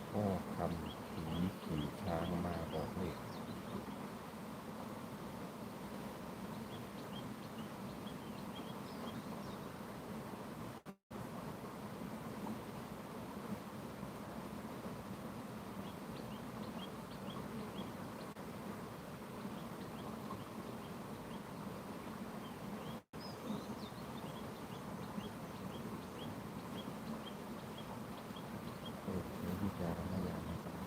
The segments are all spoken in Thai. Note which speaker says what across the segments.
Speaker 1: พ่อคำผีขี่ช้างมาบอกเลขโปรดใช้วิจารณญาณในการ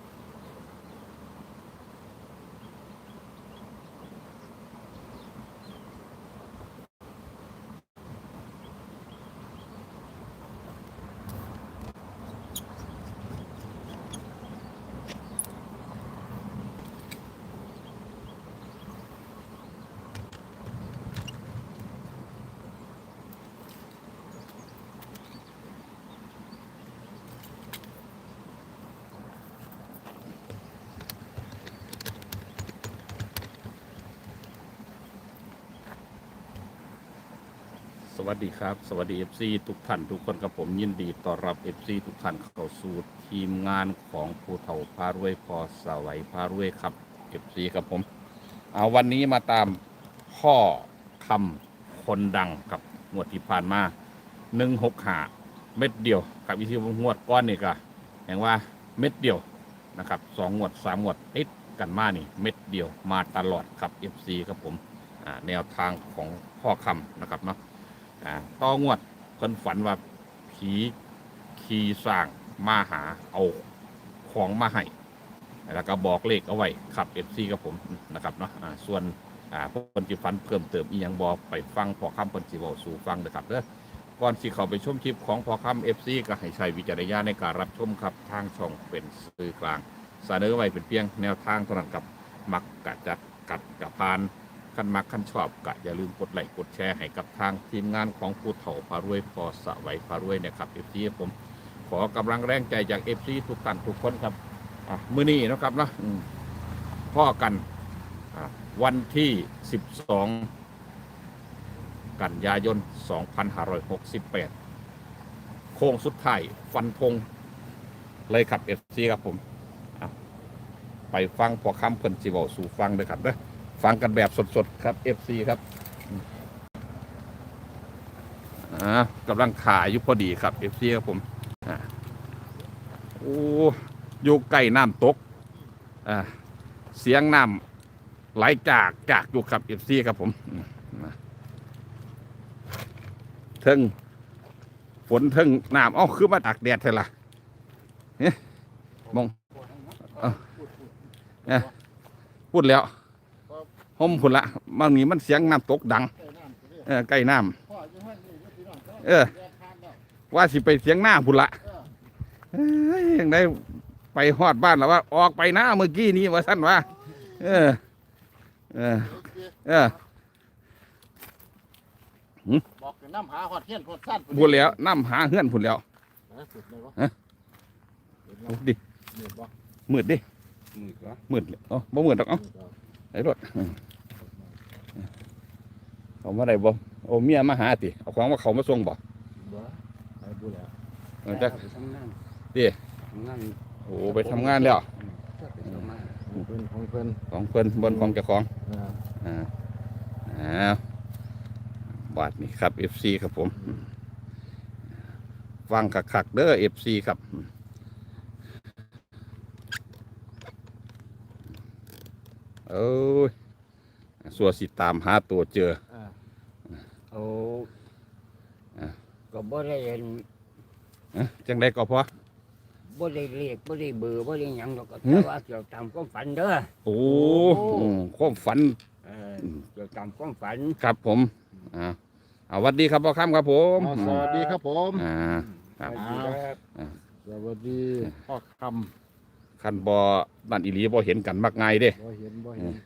Speaker 1: สวัสดีครับสวัสดี FC ทุกท่านทุกคนกับผมยินดีต้อนรับ FC ทุกท่านเข้าสู่ทีมงานของผู้เฒ่าพารวยพอสวัยพารวยครับ FC กับผมเอาวันนี้มาตามพ่อคำคนดังครับงวดที่ผ่านมา165เม็ดเดียวกับวิธีงวดก้อนนี่ก็แห่งว่าเม็ดเดียวนะครับ2 งวด 3 งวดติดกันมานี่เม็ดเดียวมาตลอดครับ FC ครับผมแนวทางของพ่อคำนะครับเนาะต่องวดเพิ่นฝันว่าผีขี่สร้างมาหาเอาของมาให้แล้วก็บอกเลขเอาไว้ขับเอฟซีกับผมนะครับเนาะส่วนเพิ่นสิฝันเพิ่มเติมอีหยังบอกไปฟังพอคำเพิ่นสิเว้าสู่ฟังนะครับเด้อก่อนสิเข้าไปชมคลิปของพอคำเอฟซีก็ให้ใช้วิจารณญาณในการรับชมครับทางช่องเป็นสื่อกลางเสนอไว้เป็นเพียงแนวทางเท่านั้นกับมักกะจัดกัดกะพานขั้นมักขั้นชอบกะอย่าลืมกดไลค์กดแชร์ให้กับทางทีมงานของผู้เฒ่าพารวยพอสวัยพารวยนะครับเอฟซีผมขอกำลังแรงใจจากเอฟซีทุกท่านทุกคนครับมื้อนี้นะครับนะพ่อกันวันที่12กันยายน2568โค้งสุดท้ายฟันธงเลยครับเอฟซีครับผมไปฟังพอคำเพิ่นสิเว้าสู่ฟังเลยครับเด้อฟังกันแบบสดๆครับ FC ครับกำลังขายอยู่พอดีครับ FC ครับผมโอ้อยู่ใกล้น้ำตกเสียงน้ำไหลจากอยู่ครับ FC ครับผมเทิงฝนเทิงน้ำคือมาตากแดดเท่าล่ะมองพูดแล้วห่มผุนละบางนี้มันเสียงน้ำตกดังใกล้น้ำว่าสิไปเสียงหน้าผุนละยังได้ไปฮอดบ้านแล้วว่าออกไปหน้าเมื่อกี้นี้ว่าสั้นว่า
Speaker 2: บอกน้ำหาหอดเฮียนหอดสั้น
Speaker 1: พูดแล้วน้ำหาเฮือนผุนแล้วดิมืดดิมืดเลยบ่มืดหรอกไอ้รถเขามาได้บ่โอ้เมียมาหาติเอาของว่าเขามาส่งบ่
Speaker 2: ไปดูแล้ว
Speaker 1: จะดิโอ้ไปทำงานแล้ว
Speaker 2: ของเพิ่น
Speaker 1: ของเพิ่นบนของเจ้าของบาทนี่ครับ FC ครับผมฟังคักๆเด้อ FC ครับสัวสิตามหาตัวเจอ
Speaker 2: ก็บ่ได้เห็น
Speaker 1: จังได้ก็พอ
Speaker 2: บ่ได้เรียกบ่ได้เบอร์บ่ได้หยังหรอกก็แต่ว่าเกี่ยวตามความฝันเด้อ
Speaker 1: โอ้ความฝัน
Speaker 2: เกี่ยวตามความฝัน
Speaker 1: ครับผมสวัสดีครับพ่อค่ำครับผม
Speaker 2: สวัสดีครับผม
Speaker 1: ส
Speaker 2: วัสดีพ่อค
Speaker 1: ำขันบ่บ้านอีหลีบ่เห็นกันมักง่ายเด้
Speaker 2: บ่เห็น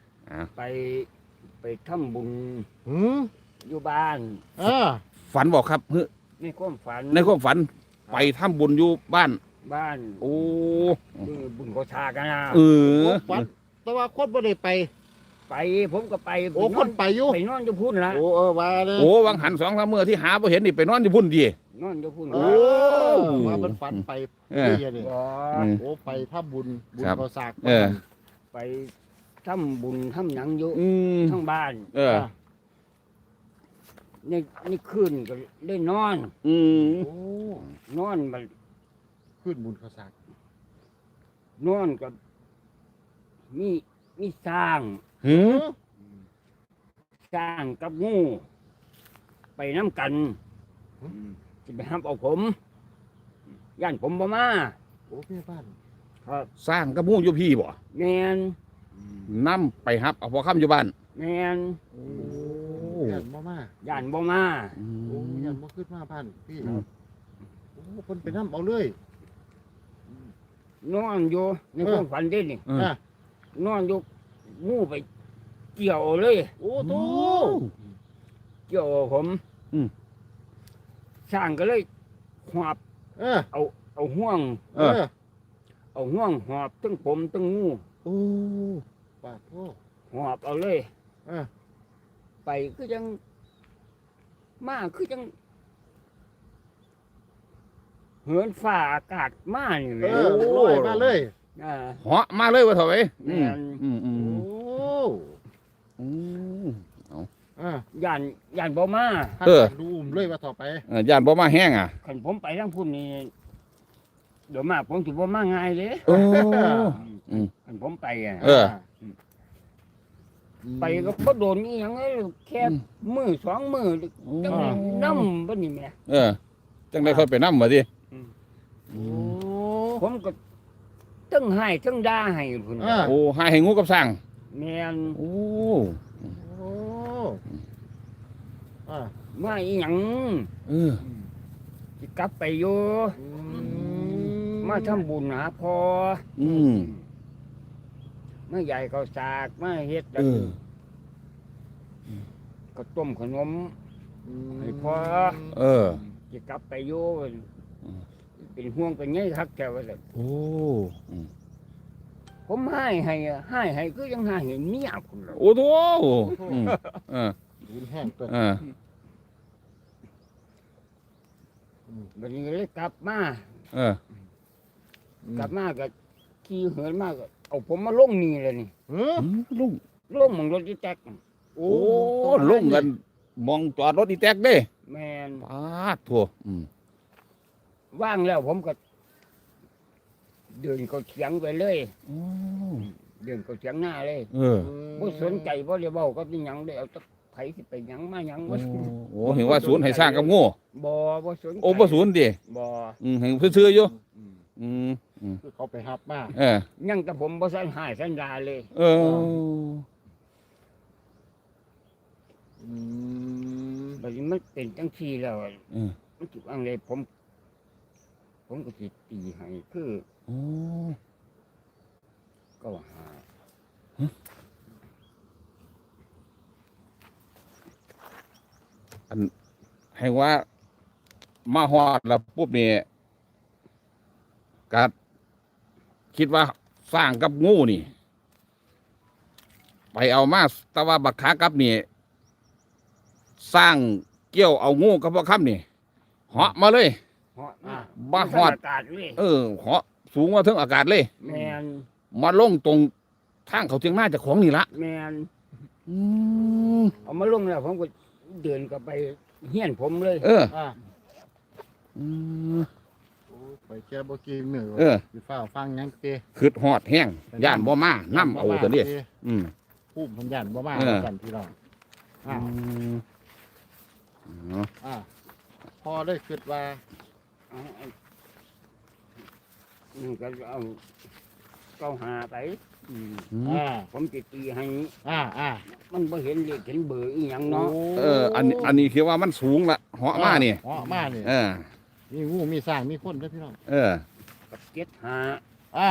Speaker 2: ไปทำบุญอยู่บ้าน
Speaker 1: ฝันบอกครับ
Speaker 2: ในความ
Speaker 1: ฝันไปทำบุญอยู่บ้านโอ้
Speaker 2: บุญโกชากันนะ
Speaker 1: ฝัน
Speaker 2: แต่ว่าคนบ่ได้ไปไปผมก็ไป
Speaker 3: โอ้คนไปอยู่
Speaker 2: ไปนอนอยู่พุ่นละ
Speaker 3: โอ้ว่าเลย
Speaker 1: โอ้วังหัน2-3มื้อที่หาบ่เห็นนี่ไปนอนอยู่พุ่นดี
Speaker 2: นอนอยู่พุ่น
Speaker 3: โอ้
Speaker 2: ละ
Speaker 3: ว่ามันฝันไป
Speaker 1: เออ
Speaker 3: เฮียนี่
Speaker 2: บ่
Speaker 3: โอ้ไปถ้าบุญ
Speaker 1: ครับ
Speaker 3: ก็สาก
Speaker 1: เออ
Speaker 2: ไปทำบุญทำหยังอยู่
Speaker 1: อืม
Speaker 2: ทั้งบ้าน
Speaker 1: เออ
Speaker 2: นี่คืนก็ได้นอน
Speaker 1: อืม
Speaker 3: โอ้
Speaker 2: นอนมัน
Speaker 3: ขึ้นบุญก็สาก
Speaker 2: นอนกับมีสร้าง
Speaker 1: หือ
Speaker 2: สร้างกับงู ไปน้ำกันจะไปห้ามเอาผมย่านผมบ่มา
Speaker 3: โอ้แม่บ้าน
Speaker 2: ครับ
Speaker 1: สร้างกระมูอยู่พี่บ่
Speaker 2: แมน
Speaker 1: นำไปฮับเอาพอค่ำอยู่บ้าน
Speaker 2: แมน
Speaker 3: โอ้ยันบ่มา
Speaker 2: ย่านบ่มา
Speaker 3: โอ้ยันบ่ขึ้นมาบ้านพี่
Speaker 1: อืม
Speaker 3: โอ้คนไปน้ำเอาเลย
Speaker 2: นอนอยู่ในความฝันเด้นี่
Speaker 1: เออ
Speaker 3: อ่ะ
Speaker 2: นอนอยู่งูไปเกี่ยวเลย
Speaker 3: โอ้โต
Speaker 2: เกี่ยวผม
Speaker 1: อืม
Speaker 2: สร้างก็เลยหอบ
Speaker 3: เออ
Speaker 2: เอาห่วง
Speaker 1: เออ
Speaker 2: เอาห่วงหอบทั้งผมทั้งงู
Speaker 3: โอ้ปาดโท
Speaker 2: หอบเอาเลย
Speaker 3: เออ
Speaker 2: ไปคือจังมาคือจังเหินฝ่าอากาศมานี่แห
Speaker 3: เอ
Speaker 2: ละ
Speaker 3: อลอยมาเลย
Speaker 2: อ่า
Speaker 1: เหาะมาเลยว่าเถอะไว้อืม
Speaker 2: แม่น
Speaker 1: อืมอืม
Speaker 3: โอ้
Speaker 1: อืม
Speaker 3: อ่ะ
Speaker 2: ย่านบ่มา
Speaker 1: เออ
Speaker 3: ดูอุ้มเลยว่าต่อไป
Speaker 1: ย่านบ่มาแห้งอ่ะ
Speaker 2: คันผมไปทางพุ่นนี่เดี๋ยวมาผมสิบ่มาง่ายเลย
Speaker 1: โอ้ อืม
Speaker 2: คันผมไปอ่ะ
Speaker 1: เออ
Speaker 2: ไปก็บ่โดนอีหยังเลยแค่มือสองมือจังได้น้ำบ่นี่แหม่
Speaker 1: เออ จังได้ค่อยไปนำมาดิ
Speaker 3: โอ้
Speaker 2: ผมก็ทั้งให้ทั้งด่าให้พุ่น
Speaker 3: อ่า
Speaker 1: โอ้หาให้งูกับสร้าง
Speaker 2: แม่น
Speaker 1: โอ้
Speaker 3: โอ้อ่ะ
Speaker 2: มาอีหยัง
Speaker 1: เออ
Speaker 2: สิกลับไปอยู่
Speaker 3: อืม
Speaker 2: มาทำบุญหาพ่อ
Speaker 1: อืม
Speaker 2: มาใหญ่ข้าวสากมาเฮ็ด
Speaker 1: เออ
Speaker 2: ก็ต้มขนม ให้พ่อ
Speaker 1: เออ
Speaker 2: สิกลับไปอยู่
Speaker 1: อืม
Speaker 2: เป็นห่วงเป็นไงคักแถวว่าซั่น
Speaker 1: โอ้อืม
Speaker 2: ผมให้คือยังให้เมียพุ่นล่ะ
Speaker 1: โอ้โหอืมเออ
Speaker 3: บุญแห้งตัว
Speaker 1: เออ
Speaker 2: บัดนี้ก็เลยกลับมา
Speaker 1: เออ
Speaker 2: กลับมาก็ขี่เหินมาก็เอาผมมาลงนี่เลยนี่
Speaker 3: เออ
Speaker 1: ลุง
Speaker 2: ลงหมองรถที่แตก
Speaker 3: โอ้
Speaker 1: โอ้ลุงกันมองจอดรถอีแตกเด้
Speaker 2: แม่น
Speaker 1: ปาดทั่วอืม
Speaker 2: ว่างแล้วผมก็เดินก็เถียงไปเลย
Speaker 1: โอ้
Speaker 2: เดินก็เถียงหน้าเลย
Speaker 1: เออ
Speaker 2: บ่สนใจบ่ได้เว้าก็เป็นหยังได้เอาแตะไผสิไปหยังมาหยัง
Speaker 1: โอ้
Speaker 2: บ่
Speaker 1: โหเห็นว่าศูนย์ให้สร้างกับโง่
Speaker 2: บ่สนใจ
Speaker 1: โอ้บ่ศูนย์ดิ
Speaker 2: บ่
Speaker 1: เห็นซื่อๆอยู่
Speaker 3: อืม
Speaker 1: อืม
Speaker 3: คือเขาไปหับมา
Speaker 1: เออ
Speaker 2: ยังแต่ผมบ่สันหายสันดาเลย
Speaker 1: เออ
Speaker 3: อืม
Speaker 2: บัดนี้มันเป็นจังซี่แล้ว
Speaker 1: เออ
Speaker 2: มันสิว่าไงผมก็สิตีให้คือ
Speaker 1: โอ้
Speaker 2: ก็หา
Speaker 1: ให้ว่ามาฮอดแล้วปุ๊บนี่ก็คิดว่าสร้างกับงูนี่ ไปเอามาแต่ว่าบักขากับนี่ สร้างเกี่ยวเอางูกับพ่อค่ำนี่เหาะมาเลย
Speaker 2: เหาะมา
Speaker 1: บ้าฮอด
Speaker 2: อากาศเลย
Speaker 1: เออเหาะสูงกว่าถึงอากาศเลย
Speaker 2: แม่น
Speaker 1: มาลงตรงทางเขาเทียงหน้าเจากของนี่ละ
Speaker 2: แม่น
Speaker 1: อืม
Speaker 2: เอามาลงแล้วผมก็เดินกลับไปเฮียนผมเลย
Speaker 1: เออ
Speaker 3: อ่ะ
Speaker 1: อืม
Speaker 3: โอ้ไปแก้บ่กินเหนือ
Speaker 1: เออ
Speaker 3: สิฟ้าฟังหยังเตะ
Speaker 1: คืดหอดแห้งย่านบ่มาน้ำเอาตัวนี้อืม
Speaker 3: ผู้พันยันบ่มา
Speaker 1: เออ
Speaker 3: กันพี่น้องอ่ะ
Speaker 1: เนาะ
Speaker 3: อ่ะพอได้คิดว่า
Speaker 2: นี่ก็เอาเก้าหาไป
Speaker 3: อ่า
Speaker 2: ผมจะตีให้
Speaker 3: อ่า
Speaker 2: มันบ่เห็นเลขเห็นเบอร์อีหยังเนาะ
Speaker 1: เออ อันนี้คือว่ามันสูงละเหาะมานี่
Speaker 3: เหาะมานี่
Speaker 1: เออ
Speaker 3: มีงูมีสร้างมีคนเด้อพี่น้อง
Speaker 1: เออ
Speaker 2: กับเจ็ดหา
Speaker 3: อ่า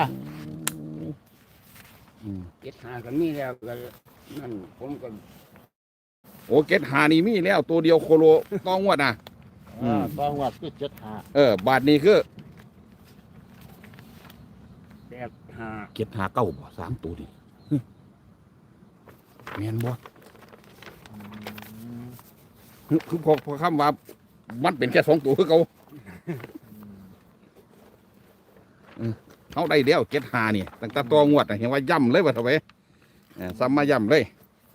Speaker 2: เจ็ดหาก็มีแล้วก็นั่นผมก็
Speaker 1: โอ้เกตหานี่มีแล้วตัวเดียวโคโลต้องวดนะ อืม
Speaker 3: ตองวัดคือ75
Speaker 1: บาทนี้คือ
Speaker 2: แปดหา
Speaker 1: เกตหาเก้าบ่สามตัวดิแม่นบ่
Speaker 3: อืม
Speaker 1: คือพอคำว่ามันเป็นแค่2ตัวคือเขาเขาได้เดียว75นี่ตั้งแต่ตัวงวดน่ะเห็นว่าย่ำเลยว่าเท่าไหร่ซ้ำมาย่ำเลย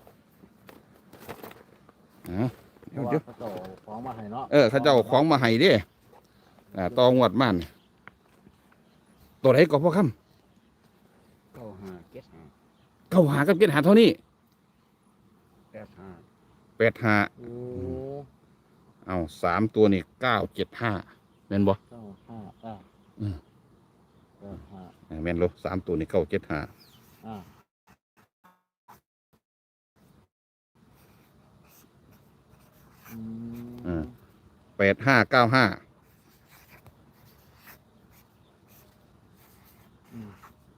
Speaker 3: เพราะว่า
Speaker 1: เดี๋ยว
Speaker 3: เขาเจ้าของมาให้เนาะ
Speaker 1: เขาเจ้าเอาของมาให้เด้ตัวงวดมันตัวไหนก็พอคำ
Speaker 2: 95 75
Speaker 1: เก้าหากับ75เท่านี้
Speaker 2: 85
Speaker 1: 85
Speaker 3: โอ้
Speaker 1: เอา3ตัวนี่975แม่นบ่
Speaker 3: เก้าห้าอ่า
Speaker 1: อืม
Speaker 3: เก้าห้า
Speaker 1: แม่นโล3ตัวนี่975
Speaker 3: อ่าอืม
Speaker 1: 8595
Speaker 3: อืม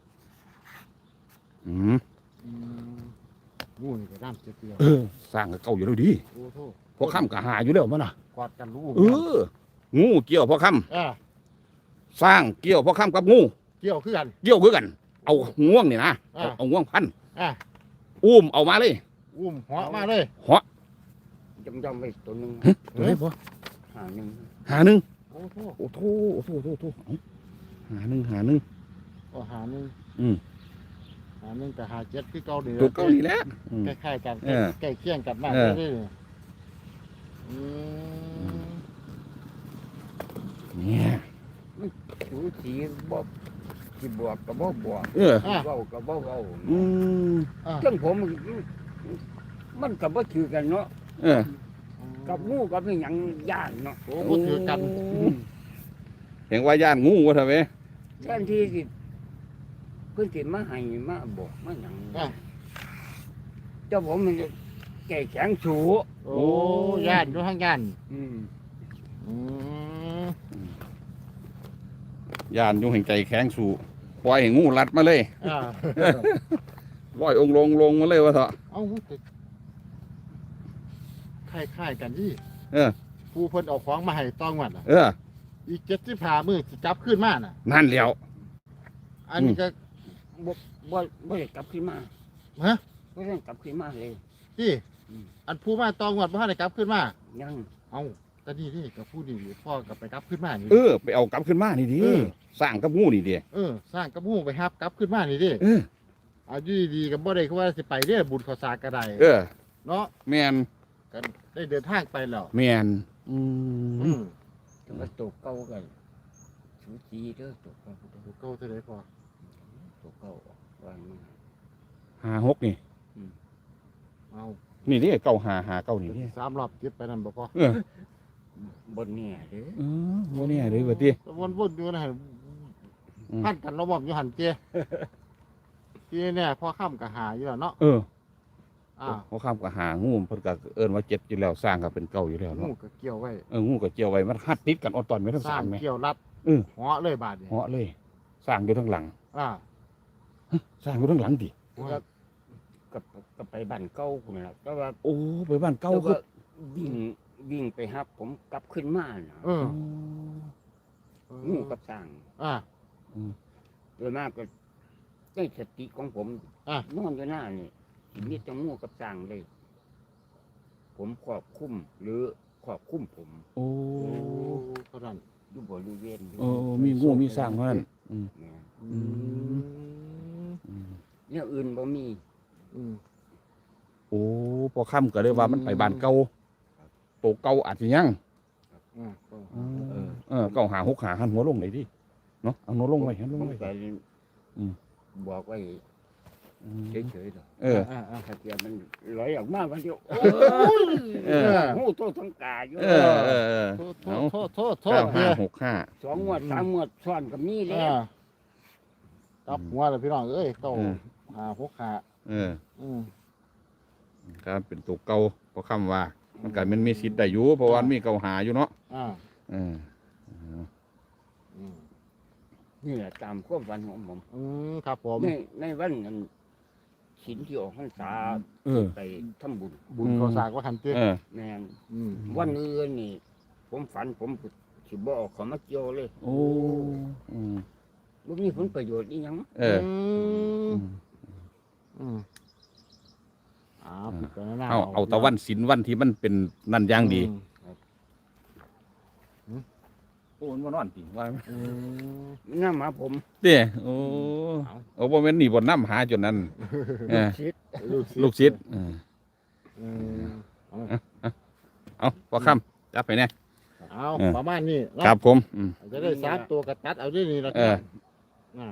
Speaker 1: อืม
Speaker 3: อืมงูนี่ก็ด้ามเจียว
Speaker 1: สร้างกับเก่าอยู่แล้วดี
Speaker 3: ๆโอ้โห
Speaker 1: พอค่ำก็หาอยู่แล้วมันน่ะ
Speaker 3: กอดกันรู้
Speaker 1: งูเกี่ยวพอค่
Speaker 3: อ่า
Speaker 1: ำสร้างเกี่ยวพอค่ำกับงู
Speaker 3: เกี่ยวคือกัน
Speaker 1: เกี่ยวคือกัน เอาง่วงนี่นะ
Speaker 3: อ่า
Speaker 1: เอาง่วงพัน
Speaker 3: อ่า
Speaker 1: อุ้มเอามาเลย
Speaker 3: อุ้มหัวมาเลย
Speaker 1: เหาะ
Speaker 2: จำไปตัวหนึง
Speaker 1: ตัวไหนพอ
Speaker 2: 51
Speaker 1: หาหนึ่ง
Speaker 3: โอ้โห
Speaker 1: โอ้โถโอ้โถโอ้โถเอาหาหนึ่งหาหนึ่ง
Speaker 3: ก็หาหนึ่ง
Speaker 1: อืม
Speaker 3: หาหนึ่งแต่หาเจ็ดคือเก่าดี
Speaker 1: ตัวเก่านี่แหละอืม
Speaker 3: คล้ายๆกัน
Speaker 1: เออ
Speaker 3: ใกล้เคียงกันมาก
Speaker 1: เออ
Speaker 3: เลยอืม
Speaker 1: เนี่ย
Speaker 2: สูสีบ่สิบวกก็บ่บวก
Speaker 1: เออ
Speaker 2: เว้าก็บ่เว้า
Speaker 1: อืม
Speaker 3: อ่ะ
Speaker 2: จังผมมันก็บ่ถือกันเนาะ
Speaker 1: เออ
Speaker 2: กับงูกับอีหยังย่านเนาะ
Speaker 3: โอ้โหถือกัน
Speaker 1: เห็นว่าย่านงูวะทำไม
Speaker 2: แทนที่สิเพิ่นสิมาให้มาบอกมาหยัง
Speaker 3: อ่ะ
Speaker 2: เจ้าผมมันแก่แข็งสู
Speaker 3: โอ้ย่านอยู่ทางย่าน
Speaker 2: อืม
Speaker 3: อืม
Speaker 1: ย่านอยู่แห่งใจแข็งสู่ปล่อยให้งูรัดมาเลย
Speaker 3: อ่า
Speaker 1: ปล่อยองค์ลงมาเลยวะเถอะ
Speaker 3: เอาแต่คล้ายๆกันที่
Speaker 1: เออ
Speaker 3: ผู้เพิ่นเอาของมาให้ต้องวัดอ่ะ
Speaker 1: เออ
Speaker 3: อีก75มื้อสิจับขึ้นมาน่ะ
Speaker 1: นั่นแล้ว
Speaker 3: อันนี้ก็
Speaker 2: บ่ได้กลับขึ้นมา
Speaker 3: ฮะ
Speaker 2: บ่ได้กลับขึ้นมาเลย
Speaker 3: ที่
Speaker 2: อืม
Speaker 3: อันผู้มาต้องวัดบ่ทันได้กลับขึ้นมา
Speaker 2: ยัง
Speaker 3: เอาแต่นี่กับผู้นี่พ่อกับไปกลับขึ้นมานี่
Speaker 1: ไปเอากลับขึ้นมานี่ดิ
Speaker 3: เออ
Speaker 1: สร้างกับงูนี่ดิ
Speaker 3: สร้างกระมูไปฮับกลับขึ้นมานี่ดิ
Speaker 1: เออ
Speaker 3: เอาอยู่ดีๆกับบ่ได้คือว่าสิไปเด้อบุญข้าวสากก็ได้
Speaker 1: เออ
Speaker 3: เนาะ
Speaker 1: แมน
Speaker 3: ก็ได้เดินทางไปแล้ว
Speaker 1: แมน
Speaker 3: อืม
Speaker 2: แต่ว่าตัวเก่ากันสูสีเด้อตัวเก่า
Speaker 3: โอ้เก่าเท่าใดพอ
Speaker 2: ตัวเก่าวันนี้
Speaker 1: 56นี่
Speaker 3: เอา
Speaker 1: นี่ดิเก้าหาเก้านี่ดิ
Speaker 3: 3 รอบติดไปนั่นบ่พอ
Speaker 1: เออบ
Speaker 2: นเนี่ยเด้อ
Speaker 1: โมเนี่ยเลยว่าติ
Speaker 3: วนๆอยู่นะ
Speaker 1: อืม
Speaker 3: พันกันระบบอยู่หันเจที่เนี่ยพอค่ำก็หาอยู่แล้วเนาะ
Speaker 1: เออ
Speaker 3: อ่า
Speaker 1: เขาข้ามกับหางูเพิ่นก็เอิ้นว่า7อยู่แล้วสร้างก็เป็นเก้าอยู่แล้ว
Speaker 3: งู
Speaker 1: เนาะ
Speaker 3: ก็เกี่ยวไว้
Speaker 1: งูก็เกี่ยวไว้มันหัดติดกันเออตอนไม่ทั้ง
Speaker 3: สร้า
Speaker 1: สาง มไหม
Speaker 3: เกี่ยวรัด
Speaker 1: เออ
Speaker 3: เหาะเลยบาดนี่
Speaker 1: เหาะเลย สร้างอยู่ทั้งหลัง
Speaker 3: อ่า
Speaker 1: สร้างอยู่ทั้งหลังดิ
Speaker 2: ก็ก็ไปบ้านเก่าพุ่นล่ะแต่ว่า
Speaker 1: โอ้ไปบ้านเก่า
Speaker 2: แต่
Speaker 1: คือ
Speaker 2: ว่าวิ่งไปฮับผมกลับขึ้นมาน่ะ
Speaker 3: เออ
Speaker 2: งูกับสร้าง
Speaker 3: อ่า
Speaker 2: โดยมากก็ในสติของผม
Speaker 3: อ่ะ
Speaker 2: นอนอยู่หน้านี่สิมีแต่งูกับสร้างเลย ผมครอบคุมหรือครอบคุมผม
Speaker 1: โอ้
Speaker 3: โอ้เท่านั้น
Speaker 2: อยู่บริเวณ
Speaker 1: โอ้มีงูมีสร้างเท่านั้นอืม
Speaker 2: เนี่ย
Speaker 3: อืม
Speaker 1: อืม
Speaker 2: เนี่ยอื่นบ่มี
Speaker 3: อืม
Speaker 1: โอ้พอค่ำก็เลยว่ามันไปบ้านเก่าโตเก่าอาจจะยัง
Speaker 3: อ่าก็
Speaker 1: เก่าหาหกหาหันหัวลงไหนดิเนาะเอาหัวลงไว้หันลง
Speaker 2: ผม
Speaker 1: ไว้
Speaker 2: ก็
Speaker 1: อืม
Speaker 2: บอกไว้
Speaker 1: อืม
Speaker 2: เฉยๆดอก
Speaker 1: เออ
Speaker 3: อ่าอ่า
Speaker 2: ถ้าเกิดมันลอยออกมาวันเดียวโอ้
Speaker 1: เออ
Speaker 2: งูตัวทั้งกาอยู่
Speaker 1: เออ
Speaker 3: โทษโทษโทษโท
Speaker 1: เก้า
Speaker 3: ษ
Speaker 1: ห้า
Speaker 3: เนี่ย
Speaker 1: หกห้า
Speaker 2: สองงวดสามงวดซ้อนกับมีแล้
Speaker 3: อ่าว กลับหัวเลยพี่น้องเอ้ยเก้าหาหกหา
Speaker 1: เออ
Speaker 3: อืม
Speaker 1: ครับเป็นตัวเก่าพอค่ำว่า มันก็มันมีสิทธิ์ได้อยู่เพราะว่ามันมีเก่าหาอยู่เนาะ
Speaker 3: อ่า
Speaker 1: เออ
Speaker 3: อืม
Speaker 2: นี่แหละตามความฝันของผม
Speaker 3: อืมครับผม
Speaker 2: ในวันนั้นศีลที่ออกพรรษา
Speaker 1: เออ
Speaker 2: ไปทำบุญ
Speaker 3: บุญข้าวสากว่าหันเตี้ย
Speaker 1: เออ
Speaker 2: แม่น
Speaker 3: อืม
Speaker 2: วันอื่นนี่ ผมฝันผมสิบ่ออกเขามาเกี่ยวเลย
Speaker 1: โอ้อืม
Speaker 2: บ่มีผลประโยชน์อีหยัง
Speaker 1: เออ
Speaker 3: อื
Speaker 1: อื
Speaker 3: ม
Speaker 1: ม
Speaker 3: อืมพิจารณา
Speaker 1: เอาตะวันศีลวันที่มันเป็นนั่นอย่างดี โอ้มันนอนจริงว่า
Speaker 3: อืม
Speaker 2: น้ำหาผม
Speaker 1: เด้โอ้
Speaker 3: เอา
Speaker 1: โอ้บ่แม่นนี่บ่น้ำหาจนนั้นเออ
Speaker 2: ชิด
Speaker 1: ลูกศิษย์
Speaker 3: อืม
Speaker 1: เอาพอค่ำจับไปแน่
Speaker 3: เอา
Speaker 1: เออ
Speaker 3: ประมาณนี้เนาะ
Speaker 1: ครับผม
Speaker 3: จะได้สามตัวกระตัดเอาด้วยนี่ละ
Speaker 1: เออ
Speaker 3: อ่า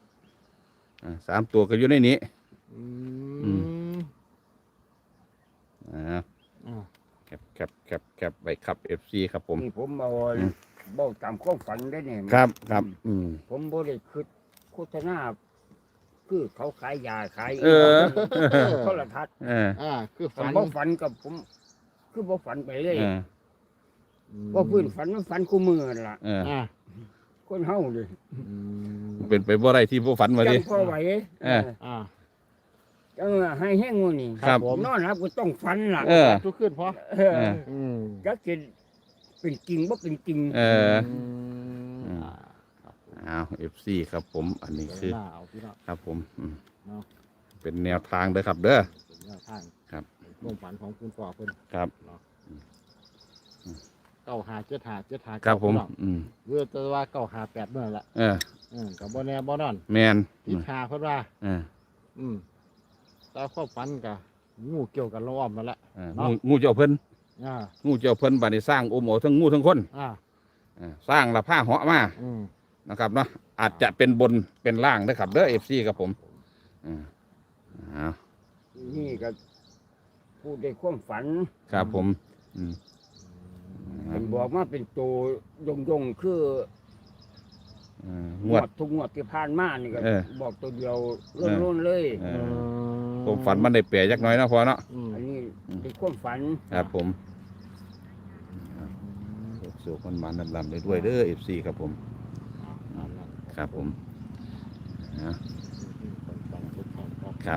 Speaker 1: 3 ตัวก็อยู่ในนี้
Speaker 3: อื
Speaker 1: อื
Speaker 3: ม
Speaker 1: อ่า
Speaker 3: อ่า
Speaker 1: แคปไว้ครับ FC ครับผม
Speaker 2: นี่ผมเอา
Speaker 1: อืม
Speaker 2: บอกตามความฝันได้เนี่ย
Speaker 1: ครับ
Speaker 2: ผมบ่ได้คิดโฆษณาคือเขาขายยาขาย
Speaker 1: เออ
Speaker 2: โทรทัศน์
Speaker 3: คือ
Speaker 2: ฝั
Speaker 3: ฝั
Speaker 2: น
Speaker 3: น
Speaker 2: บ่ฝันกับผม คือบ่ฝันไปเลย
Speaker 1: เออ
Speaker 2: บ่พื้นฝันมันฝันคู่มือนั่นล่ะ
Speaker 1: เออ
Speaker 3: อ่า
Speaker 2: คนเฮาเลย
Speaker 3: อืม
Speaker 1: เป็นไปบ่ได้ที่บ่ฝันมาดิ
Speaker 2: จังพอไหว
Speaker 1: เออ
Speaker 3: อ่า
Speaker 2: จังว่าให้แห้งงูนี่
Speaker 1: ครับ
Speaker 3: ผม
Speaker 2: นอนรับก็ต้องฝันล่ะ
Speaker 1: เออ
Speaker 3: ทุกขึ้นพอ
Speaker 2: เออ
Speaker 1: เออ
Speaker 3: อืม
Speaker 2: จักสิเป็นจริงบ่เป็นจริง
Speaker 1: เออ
Speaker 3: ม
Speaker 1: อ้าว FC ครับผม อันนี้คือ
Speaker 3: หน้าเอาพี่น้อง
Speaker 1: ครับผม
Speaker 3: เนาะ
Speaker 1: เป็นแนวทางเด้อครับ เด้อ
Speaker 3: เป็นแนวทาง
Speaker 1: ครับ
Speaker 3: ลงฝันของคุณพ่อเพิ่น
Speaker 1: ครับ
Speaker 3: เนาะเก้าหาเจ็ดหาเจ็ดหา
Speaker 1: ครับผม
Speaker 3: พี่น้อง เรือแต่ว่าเก้าหาแปดเมื่อละ
Speaker 1: เออ
Speaker 3: กับบ่แน่บ่นอน
Speaker 1: แมน
Speaker 3: ที่หาเพิ่นว่า
Speaker 1: เออ
Speaker 3: แต่ข้อฝันกับงูเกี่ยวกับล้อมนั่นแหละ
Speaker 1: เอองูเจ้าเพิ่น
Speaker 3: อ่า
Speaker 1: งูเจ้าเพิ่นบัดนี้สร้างโอโมทั้งงูทั้งคน
Speaker 3: อ่า
Speaker 1: สร้างละผ้าเหาะมา
Speaker 3: อืม
Speaker 1: นะครับเนาะอาจจะเป็นบนเป็นล่างนะครับเด้อ FC ครับผมอ้าว
Speaker 2: นี่ก็พูดในความฝัน
Speaker 1: ครับผมอืม
Speaker 2: มันบอกมาเป็นตัวยงคือ
Speaker 1: งวด
Speaker 2: ทุกงวดที่ผ่านมานี่ก็
Speaker 1: เออ
Speaker 2: บอกตัวเดียวล้นๆเลย
Speaker 1: เออ ผมฝันมันได้เปรียจักหน้อยเนาะพอเนาะ
Speaker 2: อันนี้เป็นความฝัน
Speaker 1: ครับผมสุขมันมานันลำได้ด้วยเด้อ FC ครับผม ครับผมครับ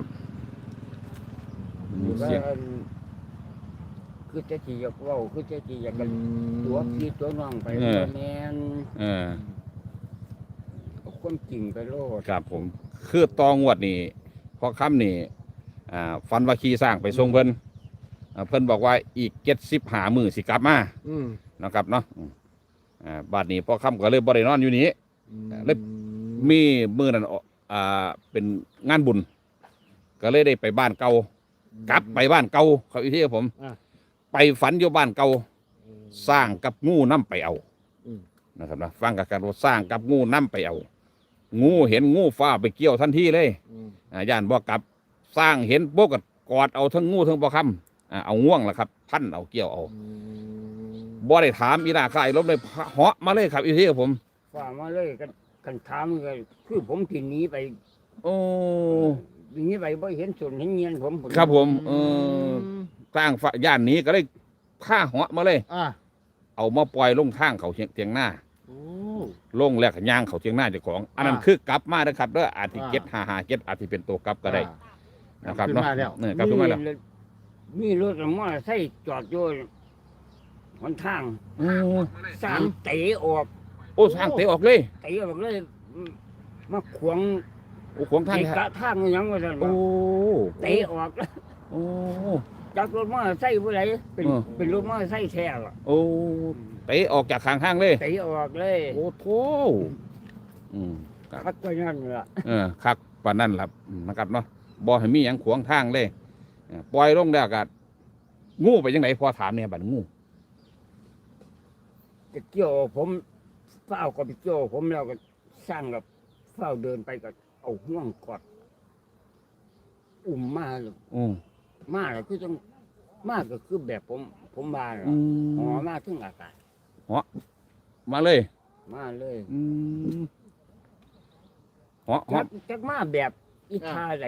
Speaker 1: มี
Speaker 2: ว่า
Speaker 1: เสียง
Speaker 2: คือจะจีอยากเว่าคือจะจีอยากกันตัวพี่ตัวน้องไป
Speaker 1: เออ
Speaker 2: แมน
Speaker 1: เออ
Speaker 2: เอาความจริงไปโลด
Speaker 1: ครับผม คือตองวดนี่พอค่ำนี่ฟันว่าขี่สร้างไปส่งเพิ่นเพิ่นบอกว่าอีก75 มื้อสิกลับมา นะครับเนาะบาดนี้พอค่ำก็เลยบ่ได้นอนอยู่นี้ แล้ว มีมื้อนั้นเป็นงานบุญ ก็เลยได้ไปบ้านเก่ากลับไปบ้านเก่าเขาอีกที่ผม ไปฝันอยู่บ้านเก่าสร้างกับงูน้ำไปเอา นะครับนะฟังกับการว่าสร้างกับงูน้ำไปเอา งูเห็นงูฟ้าไปเกี่ยวทันทีเลยย่านบ่กลับสร้างเห็นโบกกอดเอาทั้งงูทั้งบ่คำเอาง่วงล่ะครับ พันเอาเกี่ยวเอาบ่ได้ถามอีนาคายลบเลยเหาะมาเลยครับอีที่กับผม
Speaker 2: ฝ่ามาเลยกันถามกันคือผมที่หนีไป
Speaker 1: โอ้
Speaker 2: หนีไปบ่เห็นส่วนเห็นเงียนผม
Speaker 1: ครับผมสร้างฝ่าย่านนี้ก็เลยผ้าเหาะมาเลย เอามาปล่อยลงทางเขาเทียงหน้าลงแล้วก็ย่างเขาเทียงหน้าเจ้าของ อันนั้นคือกลับมาเด้อครับเด้ออาจจะ755อาจจะเป็นตัวกลับก็ได้นะครับเนาะกลับขึ้นมาแล้ว
Speaker 2: มีรถมอเตอร์ไซค์จอดอยู่หนทางสามเตะออก
Speaker 1: โอ้สร้างเตะออกเลย
Speaker 2: เตะออกเลยมาขวาง
Speaker 1: โอ้ขวางทาง
Speaker 2: เตะกะทางอยังว่าซั่น
Speaker 1: โอ้
Speaker 2: เตะออกแล้ว
Speaker 1: โอ้
Speaker 2: จากรถมอเตอร์ไซค์ผู้ใดเป็น
Speaker 1: เออ
Speaker 2: เป็นรถมอเตอร์ไซค์แท้ล่ะ
Speaker 1: โอ้เตะออกจากข้างห้างเลย
Speaker 2: เตะออกเลย
Speaker 1: โอ้โถครับ
Speaker 2: คักก็นั่นล่ะ
Speaker 1: คักปานนั่นล่ะนะครับเนาะบ่ให้มีหยังขวางทางเลยปล่อยลงแล้วก็งูไปจังไดพอถามเนี่ยบัดงู
Speaker 2: จะเกี่ยวผมเฝ้าก็ไปเกี่ยวผมแล้วก็สร้างกับเฝ้าเดินไปก็เอาห่วงกอดอุ้มมาเลย
Speaker 1: อืม
Speaker 2: มาแล้วคือต้องมาก็คือแบบผมมาแล้วหอมาถึงอากาศ
Speaker 1: มาเลย
Speaker 2: มาเลย
Speaker 1: เหาะ
Speaker 2: จักมาแบบอีทาไหน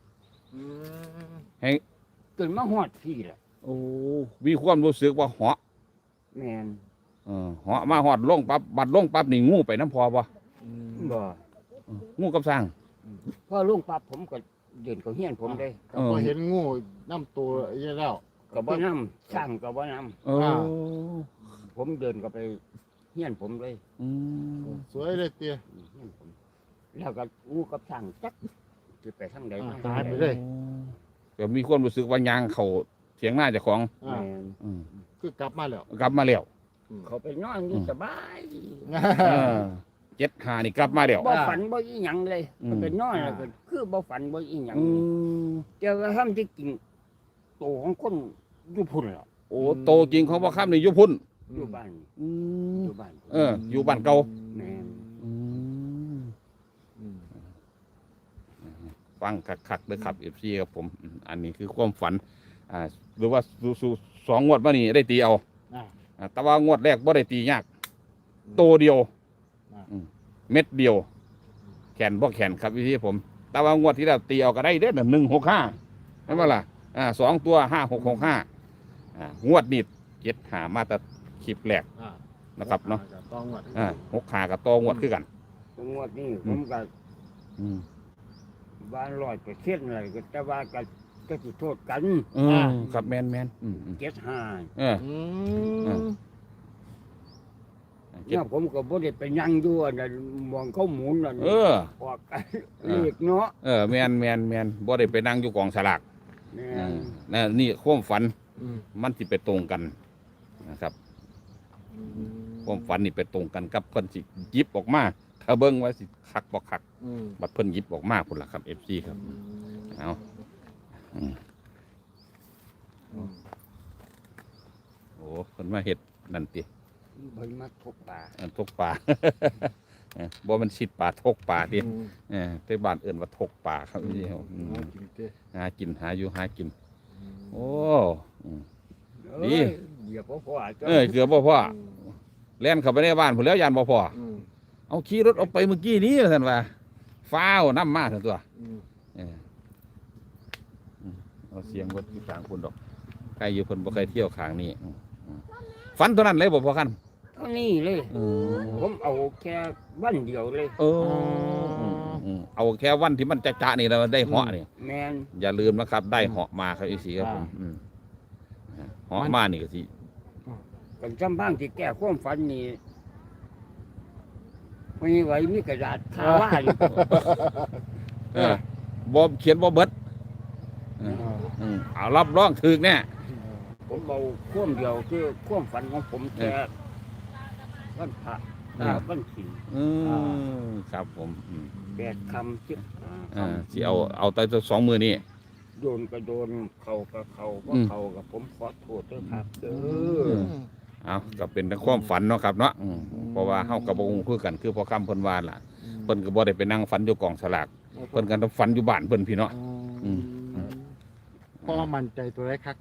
Speaker 1: ให้
Speaker 2: จนมาฮอดพี่แหละ
Speaker 1: โอ้มีความรู้สึกว่าเหาะ
Speaker 2: แมน
Speaker 1: เหาะมาหอดลงปั๊บบัดลงปั๊บนี่งูไปน้ำพอปะ
Speaker 2: บ่
Speaker 1: งูกับสร้าง
Speaker 2: พอลุงปั๊บผมก็เดินเขาเฮียนผมเลย
Speaker 3: พอเห็นงูน้ำตัวเยอะแล้ว
Speaker 2: ก็บ่นำสร้างก็บ่น
Speaker 1: โอ้
Speaker 2: ำผมเดินก็ไปเฮียนผมเลย
Speaker 3: สวยเลยเตี้ย
Speaker 2: เฮียนผมแล้วก็งูกับสร้างจักจะไปทางใด
Speaker 3: อ่า
Speaker 2: ทาง
Speaker 3: ตายไป
Speaker 2: ใด
Speaker 3: เลย
Speaker 1: ก็มีความรู้สึกว่ายางเขาเถียงหน้าเจ้าของ
Speaker 3: อ่า
Speaker 2: แม่น
Speaker 1: อืม
Speaker 3: คือกลับมาแล้ว
Speaker 1: กลับมาแล้ว
Speaker 2: เขาไปนอนอยู่สบาย
Speaker 1: 75นี่กลับมาแล้ว
Speaker 2: บ่ฝันบ่อีหยังเลย
Speaker 1: อืม
Speaker 2: เขาไปนอนแล้วก็คือบ่ฝันบ่อีหยัง
Speaker 1: อืม
Speaker 2: เจ้าก็ทำที่กินโตของคนอยู่พุ่นแล้ว
Speaker 1: โอ้โตจริงของพ่อค่ำนี่อยู่พุ่น
Speaker 2: อยู่บ้าน
Speaker 1: อืม
Speaker 2: อยู่บ้าน
Speaker 1: อยู่บ้านเก่า
Speaker 2: แม่น
Speaker 1: อืม
Speaker 3: อืม
Speaker 1: ฟังคักๆเลยครับ FC ครับผมอันนี้คือความฝันหรือว่าสู่สองงวดมานี่ได้ตีเอา
Speaker 3: อ่า
Speaker 1: แต่ว่างวดแรกบ่ได้ตียากโตเดียว
Speaker 3: อ่า
Speaker 1: เม็ดเดียว แขนบ่แขนครับพี่ผม แต่ว่างวดที่เราตีเอาก็ได้เด้อ165ใช่ไหมล่ะ2 ตัว5665งวดนี้75มาแต่คลิปแรก
Speaker 3: อ่า
Speaker 1: นะครับเนาะ
Speaker 3: ต้องหมด
Speaker 1: 65กับต่องวดคือกัน
Speaker 2: งวดนี้ผมก็
Speaker 1: อืม
Speaker 2: บ้าน100%เลยก็แต่ว่าก็สิโทษกัน
Speaker 1: ครับแมน
Speaker 2: 75
Speaker 1: เออ
Speaker 3: อื
Speaker 1: อ่า
Speaker 3: ม
Speaker 2: เนี่ยผมก็บ่ได้ไปนั่งอยู่อันนั้นมองเขาหมุนนั่น
Speaker 1: เออ
Speaker 2: ออกกันเลขเนาะ
Speaker 1: แมนบ่ได้ไปนั่งอยู่กองสลาก
Speaker 2: แม่
Speaker 1: นั่นนี่ความฝัน
Speaker 3: อืม
Speaker 1: มันสิไปตรงกันนะครับ ความฝันนี่ไปตรงกันกับเพิ่นสิหยิบออกมา ถ้าเบิ่งว่าสิคักบ่คัก
Speaker 3: อืม
Speaker 1: บัดเพิ่นหยิบออกมาพุ่นล่ะครับ FC ครับเอาอืม
Speaker 3: อืม
Speaker 1: โอ้เพิ่นมาเฮ็ดนั่นติ
Speaker 2: เพิ่นมาทบป่า
Speaker 1: ทกป่า บ่มันชิดป่าทกป่าติ
Speaker 3: อืม
Speaker 1: แต่บ้านเอิ้นว่าทกป่าครับพี่ครับ
Speaker 3: เอากินเต้
Speaker 1: หากินหาอยู่หากิน โอ้อืม ดี
Speaker 2: เอ้ยเดี๋ยวพ่อจ้ะ
Speaker 1: เกือบบ่พอแล่นเข้าไปในบ้านพุ่นแล้วยานบ่พอ
Speaker 3: อืม
Speaker 1: เอาขี่รถออกไปเมื่อกี้นี้ท่านว่าฟ้าวน้ำมาท่านตัว
Speaker 3: อืม
Speaker 1: เออเอาเสียงรถที่กลางพุ่นดอกใครอยู่เพิ่นบ่เคยเที่ยวข้างนี้ฝันตัวนั้นเลยบ่พอกัน
Speaker 2: เท่านี้เลย ผมเอาแค่วันเดียวเลย
Speaker 1: เออเอาแค่วันที่มันจะๆนี่แล้วได้เหาะนี่
Speaker 2: แม่น
Speaker 1: อย่าลืมนะครับ ได้เหาะมาครับอีสีครับผมเหาะมานี่ก็สิ
Speaker 2: กันจำบ้างที่แก้ความฝันนี่ไม่ไหวมีกระดาษทาว่าอยู่
Speaker 1: บ่เขียนบ่เบิดเอารับรองถึกแน่
Speaker 2: ผมเอาความเดียวคือความฝันของผมแค่วันพระวันศีล
Speaker 1: ครับผม
Speaker 2: 8 คำ15 ค
Speaker 1: สิเอาแต่2 มือนี่
Speaker 2: ำโดนก็โดนเขาก็เขาก็เขากับผมขอโทษด้วยครับเด้อ
Speaker 1: เอาก็เป็นทั้งความฝันเนาะครับเนาะเพราะว่าเฮากับบ่ฮู้คือกันคือพอคำเพิ่นว่าล่ะเพิ่นก็บ่ได้ไปนั่งฝันอยู่กองสลากเพิ่นก็ต้องฝันอยู่บ้านเพิ่นพี่เนาะ อืม
Speaker 3: พ่อมั่นใจตัวไรครับ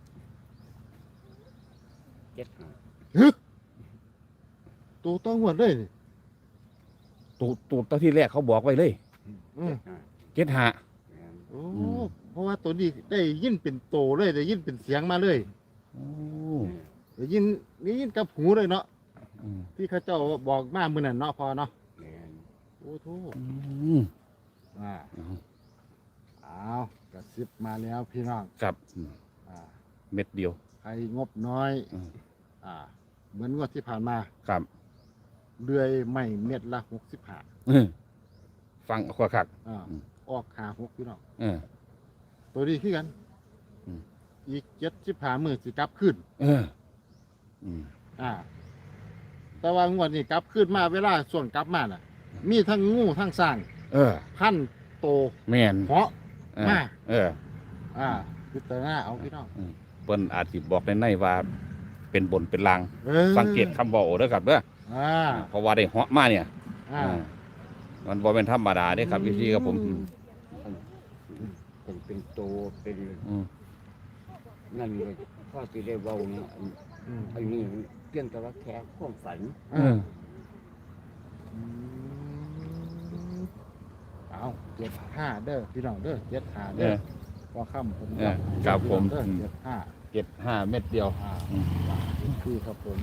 Speaker 2: 75
Speaker 3: ตัวต้องหมดเลยนี่
Speaker 1: ตูตอนที่แรกเขาบอกไว้เลย
Speaker 3: อืม
Speaker 1: 75
Speaker 3: โอ้เพราะว่าตัวนี้ได้ยินเป็นโตเลยได้ยินเป็นเสียงมาเลย
Speaker 1: โอ้
Speaker 3: ได้ยินกับหูเลยเนาะที่เขาเจ้าบอกมามื้อนั้นเนาะพอเนาะโอ้โธ่อ่าเอากระซิบมาแล้วพี่น้อง
Speaker 1: ครับ
Speaker 3: อ่า
Speaker 1: เม็ดเดียว
Speaker 3: ใครงบน้อย
Speaker 1: อืม
Speaker 3: เหมือนงวดที่ผ่านมา
Speaker 1: ครับ
Speaker 3: เลื่อยไม่เม็ดละ65
Speaker 1: ฟังขวาคัก อืม
Speaker 3: ออก56พี่น้อง
Speaker 1: เออ
Speaker 3: ตัวนี้คือกัน
Speaker 1: อืม
Speaker 3: อีก75มื้อสิกลับขึ้น
Speaker 1: เอออืม
Speaker 3: แต่ว่างวดนี้กลับขึ้นมาเวลาส่วนกลับมาน่ะ มีทั้งงูทั้งสร้าง
Speaker 1: เออ
Speaker 3: พันโต
Speaker 1: แม่น
Speaker 3: เหาะ
Speaker 1: เออ
Speaker 3: มา
Speaker 1: เออ
Speaker 3: พิจารณาเอาพี่น้อง
Speaker 1: เปิ้นอาจสิบอกในว่าเป็นบนเป็นลาง
Speaker 3: ออ
Speaker 1: สังเกตคำเว้าเด้อครับเด้อ
Speaker 3: อ่า
Speaker 1: เพราะว่าได้เหาะมาเนี่ย
Speaker 3: อ่า
Speaker 1: มันบ่เป็นธรรมดาเด้ครับพี่ครับผม
Speaker 2: เป็นโตเป็น
Speaker 1: อืม
Speaker 2: นั่นเลยพ่อสิได้เว้าเนี่ยอันนี้เพียงแต่ว่าแค่ความฝัน
Speaker 1: เออ
Speaker 3: เอา75เด้อพี่น้องเด้อ75
Speaker 1: เอ
Speaker 3: เด้อ
Speaker 1: อ
Speaker 3: พอค่ำผม
Speaker 1: เออครับผม
Speaker 3: เด้อ
Speaker 1: อืม
Speaker 3: 75
Speaker 1: 75 เม็ดเดียว
Speaker 3: คือครับผม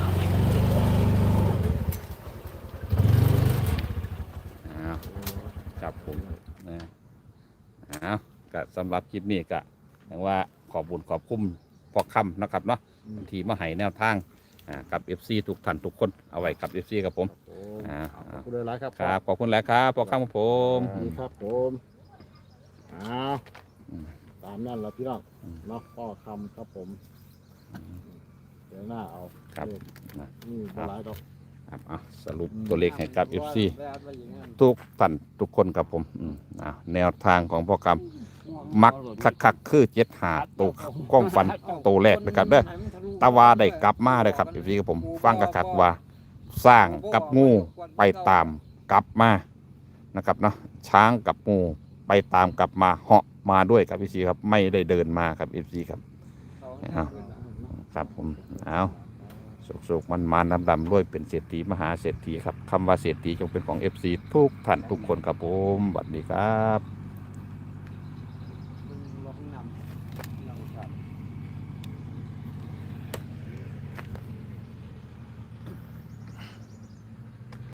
Speaker 1: อ้าวครับผมนะอ้าวก็สำหรับคลิปนี้ก็อย่างว่าขอบบุญขอบคุ้มพอคำนะครับเนาะที่มาให้แนวทางกับ FC ทุกท่านทุกคนเอาไว้กับ FC ครับผม
Speaker 3: ขอบคุณหลายๆครับ
Speaker 1: ครับขอบคุณหลายครับพอคำครับผม
Speaker 3: ดีครับผมเอา
Speaker 1: ไป
Speaker 3: ตามนั่นแหละพี่น้องเนาะพ่อคำครับผมเดี๋ยวหน้าเอา
Speaker 1: ครับ
Speaker 3: เลขนี่บ่หลายดอก
Speaker 1: ครับสรุปตัวเลขให้กับ FC ทุกท่านทุกคนครับผมแนวทางของพ่อกำมักคักๆคือ75ตัวก้องฟันตัวแรกนะครับเด้อตาวาได้กลับมาเลยครับ FC ครับผมฟังคักๆว่าสร้างกับงูไปตามกลับมานะครับเนาะช้างกับงูไปตามกลับมาเหาะมาด้วยครับ FC ครับไม่ได้เดินมาครับ FC ครับเอาครับผมเอาสุกๆมันดำๆด้วยเป็นเศรษฐีมหาเศรษฐีครับคำว่าเศรษฐีจงเป็นของ FC ทุกท่านทุกคนครับผมสวัสดีครับ